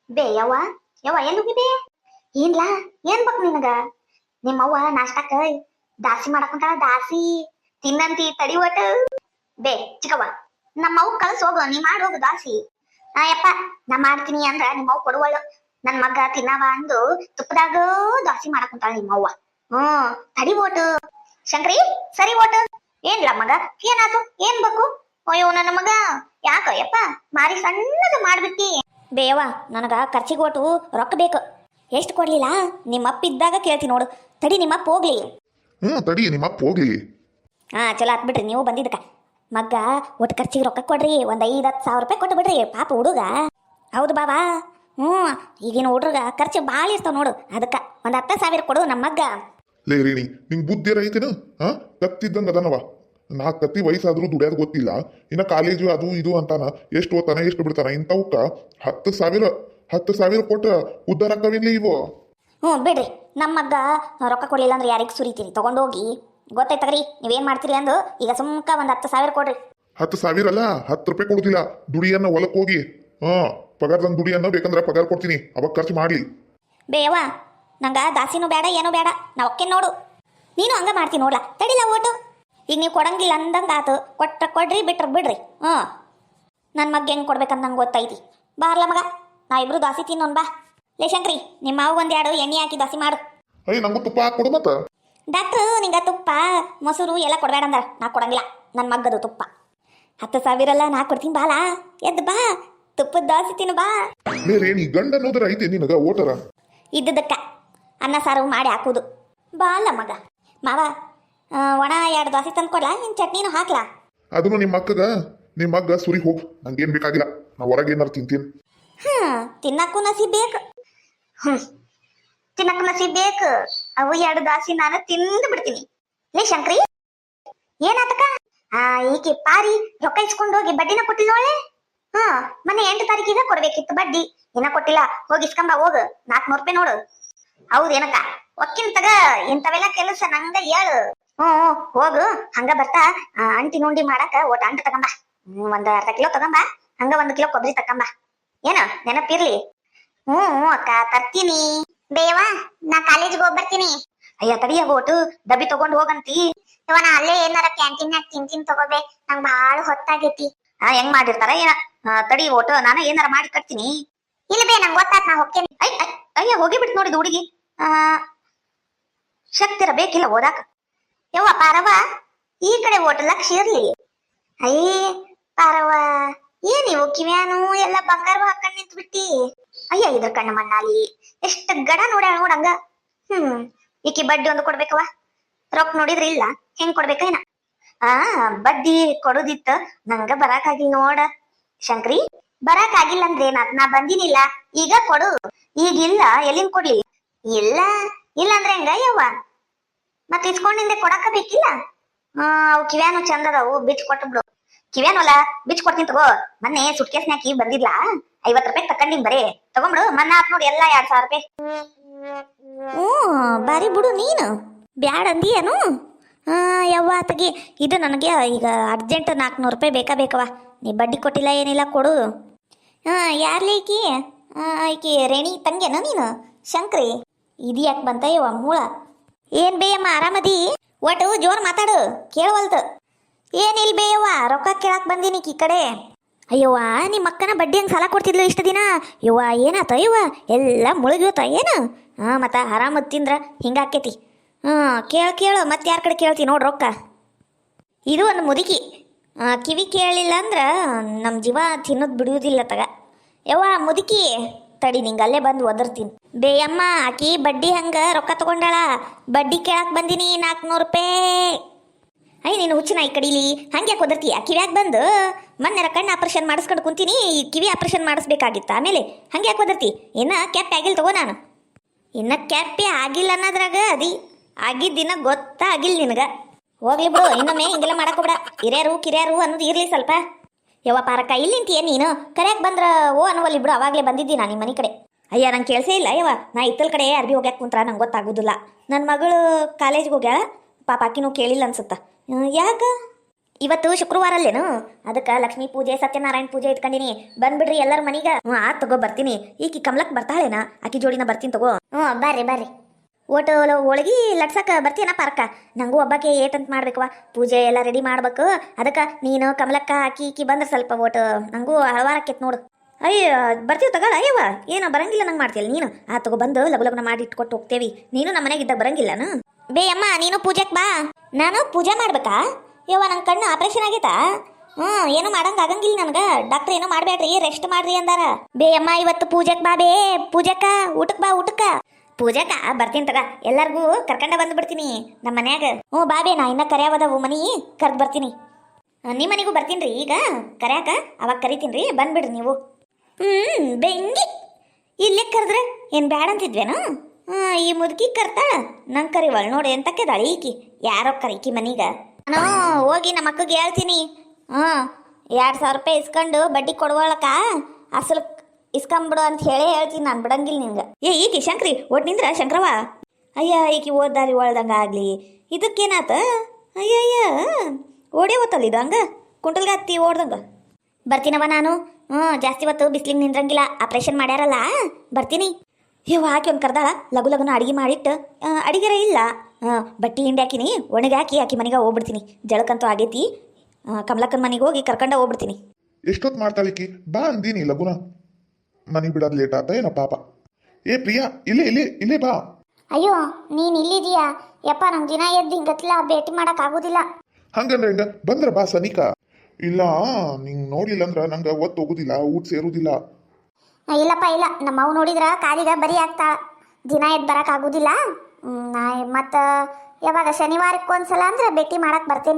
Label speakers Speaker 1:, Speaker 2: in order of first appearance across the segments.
Speaker 1: ಬೇ ಯವ್ವ ಯವ್ವ ಎಲ್ಲಿ ಹೋಗಿಬೇ? ಏನ್ಲಾ ಏನ್ ಬೇಕು ನಿನಗ? ನಿಮ್ಮವ್ವ ನಾಷ್ಟಾಕ ದಾಸಿ ಮಾಡಕೊಂತಾಳ, ದಾಸಿ ತಿನ್ನಂತಿ ತಡಿ ಒಟ್ಟ. ಬೇ ಚಿಕ್ಕವ್ವ, ನಮ್ಮವ್ ಕಳ್ಸ್ ಹೋಗು, ನೀ ಮಾಡಿ ಹೋಗು ದಾಸಿ. ಯಪ್ಪ ನಾ ಮಾಡ್ತೀನಿ ಅಂದ್ರ ನಿಮ್ಮವ್ ಕೊಡುವಳು. ನನ್ ಮಗ ತಿನ್ನವ ಅಂದು ತುಪ್ಪದಾಗ ದಾಸಿ ಮಾಡಕೊಂತಾಳ ನಿಮ್ಮವ್ವ. ತಡಿ ಓಟು ಶಂಕ್ರಿ, ಸರಿ ಓಟು. ಏನ್ಲ ಮಗ, ಏನಾತು, ಏನ್ ಬೇಕು? ಅಯ್ಯೋ ನನ್ನ ಮಗ, ಯಾಕ ಯಪ್ಪ ಮಾರಿ ಸಣ್ಣದ ಮಾಡ್ಬಿಟ್ಟಿ? ಬೇವ ನನಗ ಖರ್ಚಿಗೆ ಓಟು ರೊಕ್ಕ ಬೇಕು. ಎಷ್ಟು ಕೊಡ್ಲಿಲ್ಲ? ನಿಮ್ಮಪ್ಪ ಇದ್ದಾಗ ಕೇಳ್ತೀನಿ ನೋಡು. ತಡಿ ನಿಮ್ಮಪ್ಪ ಹೋಗ್ಲಿ.
Speaker 2: ತಡಿ ನಿಮ್ಮಪ್ಪ ಹೋಗ್ಲಿ.
Speaker 1: ಚಲೋ ಆತ್ ಬಿಡ್ರಿ ನೀವು ಬಂದಿದ್ದಕ್ಕ. ಮಗ್ಗ ಒಟ್ಟು ಖರ್ಚಿಗೆ ರೊಕ್ಕ ಕೊಡ್ರಿ, ಒಂದ್ 5-10 ಸಾವಿರ ರೂಪಾಯಿ ಕೊಟ್ಟು ಬಿಡ್ರಿ ಪಾಪ ಹುಡುಗ. ಹೌದು ಬಾಬಾ. ಈಗಿನ ಹುಡುಗ ಖರ್ಚು ಭಾಳ ಇರ್ತಾವ ನೋಡು, ಅದಕ್ಕ ಒಂದ್ 10,000 ಕೊಡು ನಮ್ಮ ಮಗ್ಗ.
Speaker 2: ಲೇ ರೇಣಿ, ನಿಂಗ್ ಬುದ್ಧಿ ಐತೇನು? ಕತ್ತಿದ್ದಂಗ ಅದನವ. ನಾ ಕತ್ತಿ ವಯಸ್ಸಾದ್ರೂ ದುಡಿಯೋದು ಗೊತ್ತಿಲ್ಲ, ಇನ್ನ ಕಾಲೇಜು ಅದು ಇದು ಅಂತಾನ. ಎಷ್ಟು ಓದ್ತಾನ ಎಷ್ಟು ಬಿಡ್ತಾನ, ಇಂಥವಕ್ಕ 10,000 ಕೊಟ್ಟ ಉದ್ದಾರ ಆಕ್ಕವಿಲ್ಲ ಇವು.
Speaker 1: ಬಿಡ್ರಿ, ನಮ್ಮ ಮಗ್ಗ ರೊಕ್ಕ ಕೊಡ್ಲಿಲ್ಲ ಅಂದ್ರೆ ಯಾರಿಗೆ ಸುರಿತೀರಿ? ತಗೊಂಡೋಗಿ ಗೊತ್ತಾಯ್ತಗ್ರಿ ನೀವೇನ್ ಮಾಡ್ತೀರಿ ಅಂದು. ಈಗ ಸುಮ್ಕ ಒಂದ್ 10,000 ಕೊಡ್ರಿ.
Speaker 2: 10,000 ಅಲ್ಲ, 10 ರೂಪಾಯಿ ಕೊಡುದಿಲ್ಲ. ದುಡಿಯನ್ನ ಹೊಲಕ್ ಹೋಗಿ ಪಗಾರದಂಗ್ ದುಡಿಯನ್ನ ಬೇಕಂದ್ರ ಪಗಾರ ಕೊಡ್ತೀನಿ, ಅವಾಗ ಖರ್ಚು ಮಾಡ್ಲಿ.
Speaker 1: ಬೇವ ನಂಗ ದಾಸಿನೂ ಬೇಡ ಏನೂ ಬೇಡ, ನಾ ಒಕ್ಕೆ ನೋಡು. ನೀನು ಹಂಗ ಮಾಡ್ತೀನಿ ನೋಡ್ಲಾ, ತಡಿಲ ಓಟು. ಈಗ ನೀವು ಕೊಡಂಗಿಲ್ಲ ಅಂದಂಗ ಆತು, ಕೊಟ್ಟ ಕೊಡ್ರಿ, ಬಿಟ್ರ ಬಿಡ್ರಿ. ನನ್ನ ಮಗ್ ಹೆಂಗ್ ಕೊಡ್ಬೇಕಂತ ನಂಗೆ ಗೊತ್ತೈತಿ. ಬಾರ್ಲ ಮಗ, ನಾ ಇಬ್ರು ದಾಸಿ ತಿನ್ನೋನ್ ಬಾ. ಲೇ ಶಂಕ್ರಿ, ನಿಮ್ಮ ಮಾವು ಒಂದೆರಡು ಎಣ್ಣೆ ಹಾಕಿ ದಾಸಿ ಮಾಡು.
Speaker 2: ನಂಗೂ ತುಪ್ಪ ಹಾಕೊಡು ಮತ್ತ.
Speaker 1: ಡಾಕ್ಟ್ರು ನಿಂಗ ತುಪ್ಪ ಮೊಸರು ಎಲ್ಲ ಕೊಡ್ಬೇಡ ಅಂದಾರ, ನಾ ಕೊಡಂಗಿಲ್ಲ. ನನ್ನ ಮಗ್ಗದು ತುಪ್ಪ 10,000 ಅಲ್ಲ, ನಾ ಕೊಡ್ತೀನಿ. ಬಾಲಾ ಎದ್ದು ಬಾ, ತುಪ್ಪದ ದಾಸಿ ತಿನ್ನು ಬಾ.
Speaker 2: ರೇಣಿ, ಗಂಡ ಅನ್ನೋದ್ರ ಐತೆ ನಿನಗ ಓಟರ?
Speaker 1: ಇದ್ದದಕ್ಕ ಅನ್ನ ಸಾರು ಮಾಡಿ ಹಾಕುದು. ಬಾಲ ಮಗ. ಮಾವ ಒಣ 2 ದೋಸೆ ತಂದು ಕೊಡ್ಲಾ, ನಿನ್ ಚಟ್ನಿನೂ ಹಾಕ್ಲಾ?
Speaker 2: ಅದನ್ನು ನಿಮ್ಮ ಮಗ್ಗ ಸುರಿ ಹೋಗ್, ನಂಗೇನ್ ಬೇಕಾಗಿಲ್ಲ. ನಾ ಹೊರಗೆ ಏನಾರು ತಿಂತೀನಿ.
Speaker 1: ತಿನ್ನಕ್ಕೂ ನಸೀಬ್ ಬೇಕು. ತಿನ್ನಕ್ಕೂ ನಸೀಬ್ ಬೇಕು. ಅವು 2 ದಾಸಿ ನಾನು ತಿಂದು ಬಿಡ್ತೀನಿ. ಲೇ ಶಂಕ್ರಿ, ಏನಾತಕ? ಈಕೆ ಪಾರಿ ರೊಕ್ಕ ಇಸ್ಕೊಂಡು ಹೋಗಿ ಬಡ್ಡಿನ ಕೊಟ್ಟಿಲ್ಲೋಳೆ. ಮೊನ್ನೆ 8 ತಾರೀಕಿಗೆ ಕೊಡ್ಬೇಕಿತ್ತು ಬಡ್ಡಿ, ಇನ್ನ ಕೊಟ್ಟಿಲ್ಲ. ಹೋಗಿ ಇಸ್ಕೊಂಬ ಹೋಗು, 400 ರೂಪಾಯಿ ನೋಡು. ಹೌದೇನಕ್ಕ? ಒಕ್ಕಿನ ತಗ, ಇಂಥವೆಲ್ಲ ಕೆಲಸ ನಂಗ ಹೇಳು. ಹೋಗು. ಹಂಗ ಬರ್ತಾ ಅಂಟಿ ನುಂಡಿ ಮಾಡಕ ಒಟ್ಟು ಅಂಟು ತಗೊಂಬ. ಒಂದ್ ಅರ್ಧ ಕಿಲೋ ತಗೊಂಬ. ಹಂಗ 1 ಕಿಲೋ ಕೊಬ್ಬರಿ ತಕೊಂಬ. ಏನ ನೆನಪಿರ್ಲಿ. ಅಕ್ಕ ತರ್ತೀನಿ. ಬೇವಾ ನಾ ಕಾಲೇಜ್ಗೆ ಹೋಗಿ ಬರ್ತೀನಿ. ಅಯ್ಯ ತಡಿಯ ಓಟು, ಡಬ್ಬಿ ತಗೊಂಡ್ ಹೋಗಂತಿ. ನಾ ಅಲ್ಲೇ ಏನಾರ ಕ್ಯಾಂಟೀನ್ಯಾಗ ತಿಂತೀನಿ ತಗೋಬೇ, ನಂಗ್ ಬಾಳ ಹೊತ್ತಾಗೈತಿ. ಹೆಂಗ್ ಮಾಡಿರ್ತಾರ ಏನ? ತಡಿ ಓಟು, ನಾನು ಏನಾರ ಮಾಡಿ ಕಟ್ತೀನಿ. ಇಲ್ಲ ಬೇ, ನಂಗೆ ಗೊತ್ತಾತ್, ನಾ ಹೋಗ್ತೇನೆ. ಅಯ್ಯ ಹೋಗಿ ಬಿಟ್ಟು ನೋಡಿದ ಹುಡುಗಿ. ಶಕ್ತಿರ ಬೇಕಿಲ್ಲ ಓದಾಕ. ಯವ್ವ ಪಾರವ, ಈ ಕಡೆ ಓಟು ಲಕ್ಷ ಇರ್ಲಿ. ಅಯ್ಯ ಪಾರವ, ಏನಿವು ಕಿವ್ಯಾನು ಎಲ್ಲ ಬಂಗಾರ ಹಾಕೊಂಡ್ ನಿಂತು ಬಿಟ್ಟಿ. ಅಯ್ಯ ಇದ್ರ ಕಣ್ಣು ಮಣ್ಣಾಲಿ ಎಷ್ಟ ಗಡ ನೋಡ್ಯಾಳ ನೋಡಂಗ. ಈಕಿ ಬಡ್ಡಿ ಒಂದು ಕೊಡ್ಬೇಕವ. ರೊಕ್ಕ ನೋಡಿದ್ರಿ ಇಲ್ಲ, ಹೆಂಗ್ ಕೊಡ್ಬೇಕೇನ? ಬಡ್ಡಿ ಕೊಡುದಿತ್ತ, ನಂಗ ಬರಾಕಾಗಿಲ್ಲ ನೋಡ ಶಂಕ್ರಿ. ಬರಾಕಾಗಿಲ್ಲ ಅಂದ್ರೆ ನಾ ಬಂದಿನಿಲ್ಲ, ಈಗ ಕೊಡು. ಈಗಿಲ್ಲ, ಎಲ್ಲಿಂದ ಕೊಡ್ಲಿ? ಇಲ್ಲ ಇಲ್ಲ ಅಂದ್ರೆ ಹೆಂಗ ಯವ್ವ? ಮತ್ ಇಸ್ಕೊಂಡಿಂದೆ ಕೊಡಾಕ ಬೇಕಿಲ್ಲ. ಅವು ಕಿವ್ಯಾನು ಚಂದ ಅದಾವು, ಬಿಚ್ ಕೊಟ್ಟು ಬಿಡು. ಕಿವ್ಯಾನಲ್ಲ ಬಿಚ್ ಕೊಡ್ತೀನಿ ತಗೋ. ಮೊನ್ನೆ ಸುಟ್ಕೇಸ್ನಾಕಿ ಬಂದಿದ್ಲ, 50 ರೂಪಾಯಿ ತಕೊಂಡಿನ್ ಬರೀ. ತಗೊಂಬಿಡು, ಮನ್ನ ಆತ್ ನೋಡಿ ಎಲ್ಲ 2,000 ರೂಪಾಯಿ. ಬಾರಿ ಬಿಡು ನೀನು, ಬ್ಯಾಡ ಅಂದಿಯೇನು? ಯವ್ವ ತಗಿ, ಇದು ನನಗೆ ಈಗ ಅರ್ಜೆಂಟ್ 400 ರೂಪಾಯಿ ಬೇಕವ. ನೀ ಬಡ್ಡಿ ಕೊಟ್ಟಿಲ್ಲ ಏನಿಲ್ಲ, ಕೊಡು. ಯಾರ್ಲಿ ಈಕಿ? ಈಕಿ ರೇಣಿ ತಂಗೇನ ನೀನು? ಶಂಕ್ರಿ ಇದು ಯಾಕೆ ಬಂತ ಯವ್ವ ಮೂಳ? ಏನ್ ಬೇಯಮ್ಮ, ಆರಾಮದಿ? ಒಟ್ಟು ಜೋರ್ ಮಾತಾಡು, ಕೇಳವಲ್ತು. ಏನಿಲ್ ಬೇಯವ್ವ, ರೊಕ್ಕ ಕೇಳಾಕ್ ಬಂದೀನಿ ಈ ಕಡೆ. ಅಯ್ಯವ್ವ, ನಿಮ್ಮ ಅಕ್ಕನ ಬಡ್ಡಿ ಹಂಗೆ ಸಾಲ ಕೊಡ್ತಿದ್ಲು ಇಷ್ಟು ದಿನ. ಯವ್ವ ಏನಾತ ಯವ್ವ, ಎಲ್ಲ ಮುಳುಗೋತ ಏನು? ಮತ್ತ ಆರಾಮದ್ ತಿಂದ್ರ ಹಿಂಗಾಕೇತಿ. ಕೇಳು, ಮತ್ತೆ ಯಾರ ಕಡೆ ಕೇಳ್ತಿ ನೋಡ್ ರೊಕ್ಕ. ಇದು ಒಂದು ಮುದುಕಿ, ಕಿವಿ ಕೇಳಿಲ್ಲ ಅಂದ್ರ ನಮ್ಮ ಜೀವ ತಿನ್ನೋದು ಬಿಡುವುದಿಲ್ಲ ತಗ. ಯವ್ವ ಮುದುಕಿ, ತಡಿ ನಿಂಗೆ ಅಲ್ಲೇ ಬಂದು ಒದರ್ತೀನಿ. ಬೇಯಮ್ಮ, ಆಕಿ ಬಡ್ಡಿ ಹಂಗ ರೊಕ್ಕ ತಗೊಂಡಾಳ, ಬಡ್ಡಿ ಕೇಳಾಕ್ ಬಂದಿನಿ 400 ರೂಪಾಯಿ. ಅಯ್ಯ ನೀನು ಹುಚ್ಚಿನ ಈ ಕಡೀಲಿ, ಹಂಗೆ ಒದರ್ತೀಯ? ಕಿವ್ಯಾಗ ಬಂದು ಮೊನ್ನೆ ಕಣ್ಣು ಆಪರೇಷನ್ ಮಾಡಿಸ್ಕೊಂಡು ಕುಂತೀನಿ, ಈ ಕಿವಿ ಆಪರೇಷನ್ ಮಾಡಿಸ್ಬೇಕಾಗಿತ್ತ. ಆಮೇಲೆ ಹಂಗೆ ಯಾಕೆ ಒದರ್ತಿ? ಇನ್ನ ಕ್ಯಾಪ್ ಆಗಿಲ್ಲ ತಗೋ. ನಾನು ಇನ್ನ ಕ್ಯಾಪೇ ಆಗಿಲ್ಲ ಅನ್ನೋದ್ರಾಗ ಆಗಿದ್ದಿನ ಗೊತ್ತಾಗಿಲ್ಲ ನಿನಗ. ಹೋಗ್ಲಿ ಬಿಡು, ಇನ್ನೊಮ್ಮೆ ಹಿಂಗೆಲ್ಲ ಮಾಡಕೋಬೇಡ. ಕಿರ್ಯಾರು ಅನ್ನೋದು ಇರ್ಲಿ ಸ್ವಲ್ಪ. ಯವ್ವ ಪಾರಕ್ಕ, ಇಲ್ಲಿಂತೀಯ ನೀನು? ಕರ್ಯಾಕ್ ಬಂದ್ರ ಅನ್ನುವಲ್ಲಿ ಬಿಡು, ಅವಾಗಲೇ ಬಂದಿದ್ದಿ ನಾನು ನಿಮ್ಮ ಮನೆ ಕಡೆ. ಅಯ್ಯ ನಂಗೆ ಕೇಳಿಸೇ ಇಲ್ಲ ಯವ್ವ, ನಾ ಇತ್ತಲ್ ಕಡೆ ಅರ್ಬಿ ಹೋಗ್ಯಾಕ ಕುಂತ್ರ ನಂಗೆ ಗೊತ್ತಾಗೋದಿಲ್ಲ. ನನ್ನ ಮಗಳು ಕಾಲೇಜ್ಗೆ ಹೋಗ್ಯಾಳ ಪಾಪ, ಆಕಿನೂ ಕೇಳಿಲ್ಲ ಅನ್ಸುತ್ತ. ಯಾಕ ಇವತ್ತು ಶುಕ್ರವಾರ ಅಲ್ಲೇನು ಅದಕ್ಕೆ ಲಕ್ಷ್ಮೀ ಪೂಜೆ ಸತ್ಯನಾರಾಯಣ ಪೂಜೆ ಇಟ್ಕೊಂಡಿನಿ ಬಂದ್ಬಿಡ್ರಿ ಎಲ್ಲರ ಮನೀಗ ಆತ್ ತಗೋ ಬರ್ತೀನಿ ಈಕಿ ಕಮಲಕ್ ಬರ್ತಾಳೇನ ಆಕಿ ಜೋಡಿನ ಬರ್ತೀನಿ ತಗೋ ಬರ್ರಿ ಬರ್ರಿ ಓಟು ಒಳಗಿ ಲಟ್ಸಕ್ಕ ಬರ್ತೀನ ಪಾರ್ಕ ನಂಗೂ ಒಬ್ಬಾಕೆ ಏಟಂತ ಮಾಡ್ಬೇಕವ ಪೂಜೆ ಎಲ್ಲ ರೆಡಿ ಮಾಡ್ಬೇಕು ಅದಕ್ಕೆ ನೀನು ಕಮಲಕ್ಕ ಆಕಿ ಬಂದ್ರೆ ಸ್ವಲ್ಪ ಓಟು ನಂಗೂ ಹಳವಾರಕ್ಕೆತ್ ನೋಡು ಅಯ್ಯ ಬರ್ತೀವಿ ತಗೊಳ ಅಯ್ಯವ ಏನೋ ಬರಂಗಿಲ್ಲ ನಂಗೆ ಮಾಡ್ತೀಯಲ್ಲ ನೀನು ಆ ತಗೋ ಬಂದು ಲಗು ಲಗ್ನ ಮಾಡಿ ಇಟ್ಕೊಟ್ಟು ಹೋಗ್ತೇವಿ ನೀನು ನಮ್ಮ ಮನೆಗಿದ್ದಾಗ ಬರಂಗಿಲ್ಲನು ಬೇ ಅಮ್ಮ ನೀನು ಪೂಜೆಗೆ ಬಾ ನಾನು ಪೂಜೆ ಮಾಡ್ಬೇಕಾ ಯವ್ವ ನಂಗೆ ಕಣ್ಣು ಆಪರೇಷನ್ ಆಗೈತಾ ಏನು ಮಾಡಂಗ ಆಗಂಗಿಲ್ಲ ನನಗೆ ಡಾಕ್ಟರ್ ಏನೋ ಮಾಡ್ಬೇಡ್ರಿ ರೆಸ್ಟ್ ಮಾಡ್ರಿ ಅಂದಾರ ಬೇ ಅಮ್ಮ ಇವತ್ತು ಪೂಜೆಗೆ ಬಾ ಬೇ ಪೂಜೆಕ್ಕ ಊಟಕ್ಕೆ ಬಾ ಊಟಕ್ಕ ಪೂಜೆಕ ಬರ್ತೀನಿ ತಗ ಎಲ್ಲರಿಗೂ ಕರ್ಕೊಂಡ ಬಂದ್ಬಿಡ್ತೀನಿ ನಮ್ಮ ಮನ್ಯಾಗ ಬಾಬೇ ನಾ ಇನ್ನ ಕರ್ಯಾವದವು ಮನಿ ಕರ್ದು ಬರ್ತೀನಿ ನಿಮ್ಮ ಮನೆಗೂ ಬರ್ತೀನಿ ರೀ ಈಗ ಕರ್ಯಾಕ ಅವಾಗ ಕರಿತೀನಿ ರೀ ಬಂದ್ಬಿಡ್ರಿ ನೀವು ಬೆಂಗಿ ಇಲ್ಲೇ ಕರೆದ್ರೆ ಏನು ಬ್ಯಾಡ ಅಂತಿದ್ವೇನು ಈ ಮುದುಕಿ ಕರ್ತಾಳ ನಂಗೆ ಕರಿವಳು ನೋಡಿ ಎಂತಕ್ಕೆದಾಳಿ ಈಕಿ ಯಾರೋ ಕರೀಕಿ ಮನೀಗ ನಾನು ಹೋಗಿ ನಮ್ಮ ಅಕ್ಕಗೆ ಹೇಳ್ತೀನಿ 2,000 ರೂಪಾಯಿ ಇಸ್ಕೊಂಡು ಬಡ್ಡಿ ಕೊಡುವಳಕ ಅಸಲು ಇಸ್ಕೊಂಬಿಡು ಅಂತ ಹೇಳೇ ಹೇಳ್ತೀನಿ ನಾನು ಬಿಡಂಗಿಲ್ಲ ನಿಂಗೆ ಈಕಿ ಶಂಕ್ರಿ ಒಟ್ಟು ನಿಂದ್ರ ಶಂಕ್ರವ ಅಯ್ಯ ಈಕಿ ಓದ್ದಾರಿ ಒಳ್ದಂಗ ಆಗ್ಲಿ ಇದಕ್ಕೇನಾತ ಅಯ್ಯ ಓಡೇ ಓದ್ತಲ್ಲ ಇದು ಹಂಗ ಕುಂಟಲ್ಗತ್ತಿ ಓಡ್ದಂಗ ಬರ್ತೀನವ ನಾನು ಜಾಸ್ತಿ ಹೊತ್ತು ಬಿಸ್ಲಿಗೆ ನಿಂದ್ರಂಗಿಲ್ಲ ಆಪ್ರೇಷನ್ ಮಾಡ್ಯಾರಲ್ಲ ಬರ್ತೀನಿ ಇವ್ ಹಾಕಿ ಒಂದು ಕರ್ದಾಳ ಲಗು ಲಗುನ ಅಡಿಗೆ ಮಾಡಿಟ್ಟು ಅಡಿಗೆರ ಇಲ್ಲ ಬಟ್ಟೆ ಹಿಂಡಿ ಹಾಕಿನಿ ಒಣಗಿ ಆಕಿ ಮನೆಗೆ ಹೋಗ್ಬಿಡ್ತೀನಿ ಜಳಕ್ಕಂತೂ ಆಗೈತಿ ಕಮಲಕ್ಕನ ಮನೆಗೆ ಹೋಗಿ ಕರ್ಕೊಂಡ ಹೋಗ್ಬಿಡ್ತೀನಿ
Speaker 2: ಎಷ್ಟೊತ್ತು ಮಾಡ್ತಾಳಿಕಿ ಬಾ ಅಂದೀನಿ ಲಗುನ ಮನೆಗೆ ಬಿಡೋದು ಲೇಟ್ ಆತ ಏನೋ ಪಾಪ ಏ ಪ್ರಿಯಾ ಇಲ್ಲೇ ಬಾ
Speaker 1: ಅಯ್ಯೋ ನೀನು ಇಲ್ಲಿದೀಯಾ ಯಪ್ಪ ನಂಗೆ ದಿನ ಎದ್ದು ಹಿಂಗತ್ಲ ಭೇಟಿ ಮಾಡಕ್ ಆಗೋದಿಲ್ಲ
Speaker 2: ಹಂಗಂದ್ರೆ ಹಿಂಗ ಬಂದ್ರ ಬಾ ಸನಿಕ ಇಲ್ಲ ನಿಂಗೆ ನೋಡ್ಲಿಲ್ಲ ಅಂದ್ರ ನಂಗೆ ಒತ್ತು ಹೋಗುದಿಲ್ಲ ಊಟ ಸೇರುದಿಲ್ಲ
Speaker 1: ಇಲ್ಲಪ್ಪ ಇಲ್ಲ ನಮ್ಮ ಅವು ನೋಡಿದ್ರ ಕಾಲಿಗ ಬರಿ ಆಗ್ತಾಳ ದಿನ ಎದ್ದು ಬರಕ್ ಆಗುದಿಲ್ಲ ಮತ್ತ ಯಾವಾಗ ಶನಿವಾರಕ್ಕೊಂದ್ಸಲ ಅಂದ್ರೆ ಭೇಟಿ ಮಾಡಕ್ ಬರ್ತೇನೆ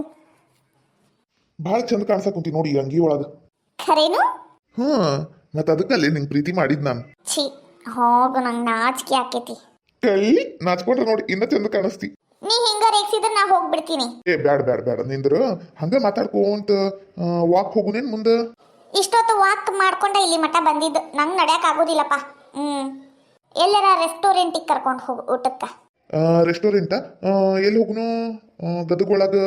Speaker 2: ಭಾಳ ಚಂದ ಕಾಣ್ಸಕ್ ಕುಂತಿ ನೋಡಿ ಅಂಗಿ ಒಳಗ
Speaker 1: ಖರೇನು
Speaker 2: ಮತ್ತ ಅದಕ್ಕಲ್ಲಿ ನಿಂಗೆ ಪ್ರೀತಿ ಮಾಡಿದ್ ನಾನು
Speaker 1: ಛೀ ಹೋಗು ನಂಗೆ ನಾಚಿಕೆ ಆಕೇತಿ
Speaker 2: ಕಳ್ಳಿ ನಾಚ್ಕೊಂಡ್ರೆ ನೋಡಿ ಇನ್ನ ಚಂದ ಕಾಣಿಸ್ತಿ
Speaker 1: ನೀ ಹಿಂಗ ರೇಗ್ಸಿದ್ರೆ ನಾ ಹೋಗ್ಬಿಡ್ತೀನಿ
Speaker 2: ಏ ಬ್ಯಾಡ ನಿಂದ್ರ ಹಂಗ ಮಾತಾಡ್ಕೊಂತ ವಾಕ್ ಹೋಗುನೇನ್ ಮುಂದ
Speaker 1: ಇಷ್ಟೊತ್ತು ವಾಕ್ ಮಾಡ್ಕೊಂಡ ಇಲ್ಲಿ ಮಠ ಬಂದಿದ್ದು ನಂಗೆ ನಡ್ಯಾಕ್ ಆಗೋದಿಲ್ಲಪ್ಪ ಎಲ್ಲರ ರೆಸ್ಟೋರೆಂಟಿಗೆ ಕರ್ಕೊಂಡು ಹೋಗು ಊಟಕ್ಕ
Speaker 2: ರೆಸ್ಟೋರೆಂಟ ಎಲ್ಲಿ ಹೋಗುನು ಗದಗೊಳಗ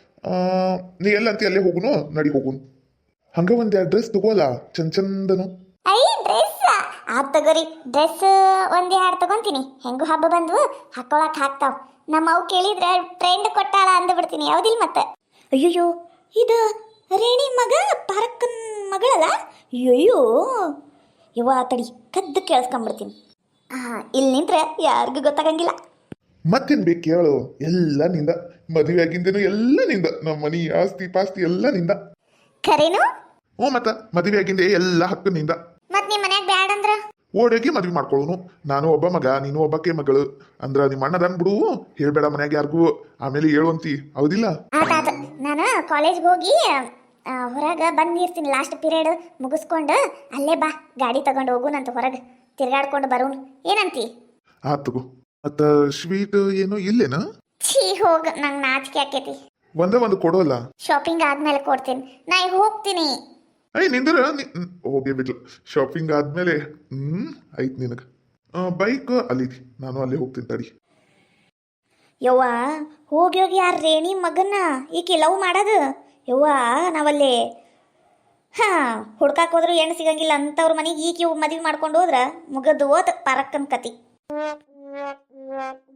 Speaker 2: ನೀ ಎಲ್ಲಂತಿ ಅಲ್ಲೇ ಹೋಗುನು ನಡಿ ಹೋಗುನು ಹಂಗ ಒಂದ್ ಡ್ರೆಸ್ ತಗೋಲ್ಲ ಚಂದನು
Speaker 1: ಐ ಡ್ರೆಸ್ ತಗೋರಿ ಡ್ರೆಸ್ ಒಂದ್ 2 ತಗೊಂತೀನಿ ಹೆಂಗು ಹಬ್ಬ ಬಂದ್ವು ಹಾಕೊಳಕ್ ಹಾಕ್ತಾವ್ ನಮ್ಮ ಅವು ಕೇಳಿದ್ರೆ ಟ್ರೆಂಡ್ ಕೊಟ್ಟಾಳ ಅಂದ್ಬಿಡ್ತೀನಿ ಯಾವ್ದಿಲ್ಲ ಮತ್ತೆ ಅಯ್ಯಯ್ಯೋ ಇದು ರೇಣಿ ಮಗ ಪಾರಕ್ಕನ್ ಮಗಳಲ್ಲ ಅಯ್ಯಯ್ಯೋ ಯವ್ವ ತಡಿ ಕದ್ದು ಕೇಳಿಸ್ಕೊಂಡ್ಬಿಡ್ತೀನಿ ಇಲ್ಲಿ ನಿಂತ್ರೆ ಯಾರಿಗೂ ಗೊತ್ತಾಗಂಗಿಲ್ಲ
Speaker 2: ಮತ್ತೇನ್ ಬೇಕು ಕೇಳು ಎಲ್ಲ ನಿಂದ ಮದುವೆ ಆಗಿಂದೇನು ಎಲ್ಲ ನಿಂದ ನಮ್ಮ ಮನಿ ಆಸ್ತಿ ಪಾಸ್ತಿ ಎಲ್ಲ ನಿಂದ
Speaker 1: ಖರೇನು
Speaker 2: ಮತ್ತ ಮದುವೆ ಆಗಿಂದೆ ಎಲ್ಲ ಹಕ್ಕು ನಿಂದ
Speaker 1: ಮತ್ ನಿಮ್ ಮನ್ಯಾಗ ಬ್ಯಾಡ ಅಂದ್ರ
Speaker 2: ಓಡೋಗಿ ಮದ್ವೆ ಮಾಡ್ಕೊಳ್ಳೋನು ನಾನು ಒಬ್ಬ ಮಗ ನೀನು ಒಬ್ಬಕ್ಕೆ ಮಗಳು ಅಂದ್ರ ನಿಮ್ಮ ಅಣ್ಣದನ್ ಬಿಡು ಹೇಳ್ಬೇಡ ಮನ್ಯಾಗ ಯಾರಿಗೂ ಆಮೇಲೆ ಹೇಳುವಂತಿ ಹೌದಿಲ್ಲ
Speaker 1: ಆತ ನಾನು ಕಾಲೇಜ್ಗೆ ಹೋಗಿ ಹೊರಗೆ ಬಂದಿರ್ತೀನಿ ಲಾಸ್ಟ್ ಪೀರಿಯಡ್ ಮುಗಿಸ್ಕೊಂಡು ಅಲ್ಲೇ ಬಾ ಗಾಡಿ ತಗೊಂಡು ಹೋಗುನಂತ ಹೊರಗೆ ತಿರ್ಗಾಡ್ಕೊಂಡು ಬರೋನು ಏನಂತಿ
Speaker 2: ಆತಗೋ ಮತ್ತ ಸ್ವೀಟ್ ಏನು ಇಲ್ಲೇನ
Speaker 1: ಛೀ ಹೋಗ ನಂಗೆ ನಾಚಿಕೆ ಆಕೇತಿ
Speaker 2: ಒಂದು ಕೊಡೋಲ್ಲ
Speaker 1: ಶಾಪಿಂಗ್ ಆದ್ಮೇಲೆ ಕೊಡ್ತೀನಿ ನಾ ಈಗ ಹೋಗ್ತೀನಿ
Speaker 2: ನಿಂದ್ರ ಹೋಗಿ ಬಿಡ್ಲ ಶಾಪಿಂಗ್ ಆದ್ಮೇಲೆ ಆಯ್ತು ನಿನಗ ಬೈಕ್ ಅಲ್ಲಿದಿ ನಾನು ಅಲ್ಲೇ ಹೋಗ್ತೀನಿ ತಡಿ
Speaker 1: ಯವ್ವ ಹೋಗಿ ಯಾರು ರೇಣಿ ಮಗನ್ನ ಈಕೆ ಲವ್ ಮಾಡೋದು ಯವ್ವ ನಾವಲ್ಲಿ ಹುಡ್ಕಾಕ್ ಹೋದ್ರು ಹೆಣ್ಣು ಸಿಗಂಗಿಲ್ಲ ಅಂತವ್ರ ಮನೆಗೆ ಈಕೆ ಮದುವೆ ಮಾಡ್ಕೊಂಡು ಹೋದ್ರ ಮುಗದು ಓದ್ ಪರಕ್ಕನ್ ಕತಿ